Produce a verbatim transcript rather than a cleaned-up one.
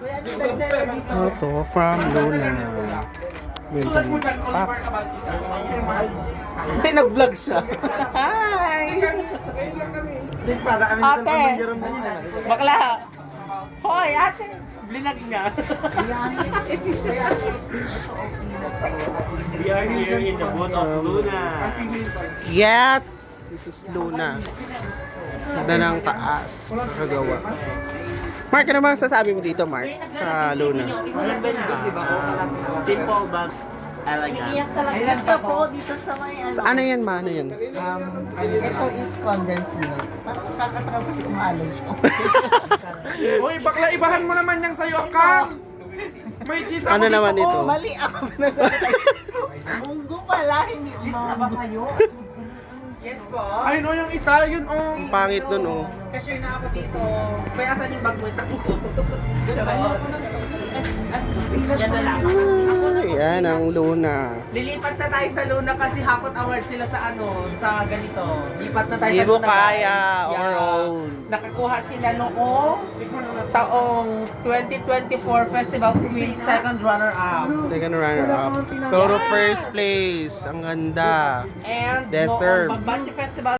Ito, from Luna. Winter Pack. Ay, nag-vlog siya. Hi! Ate! Bakla! Hoy, ate! Blinag niya. We are here in the boat of Luna. Yes! This is Luna. Ganda ng taas. Nakagawa. Mark, ano bang sasabi mo dito, Mark? Sa Luna? Simple but elegant. Ito po dito sa may ano. Sa ano yan, ma? Ano yan? Um, ito is condensed milk. Parang kakatapos umalog siya. Uy, bakla, ibahan mo naman yung sayo ka. May cheese ako Ano dito, naman oh. ito? Mali ako pinagkakatay. Munggo pala, hindi cheese na ba sa'yo? Yes po. Ayun oh, yung isa, yun oh. Ang pangit dun, oh. Cashier na ako dito. Kaya saan yung bag mo? Ito. Diyan na lang. Ay, yan ang Luna. Lilipat na tayo sa Luna kasi Hakot Award sila sa ano, sa ganito. Lipat na tayo Hindi sa mo Luna. kaya, guys. overalls. Nakakuha sila noong taong twenty twenty-four Festival Queen second runner-up. Second runner-up. Pero first place. Ang ganda. And Deserve. noong Pagbati Festival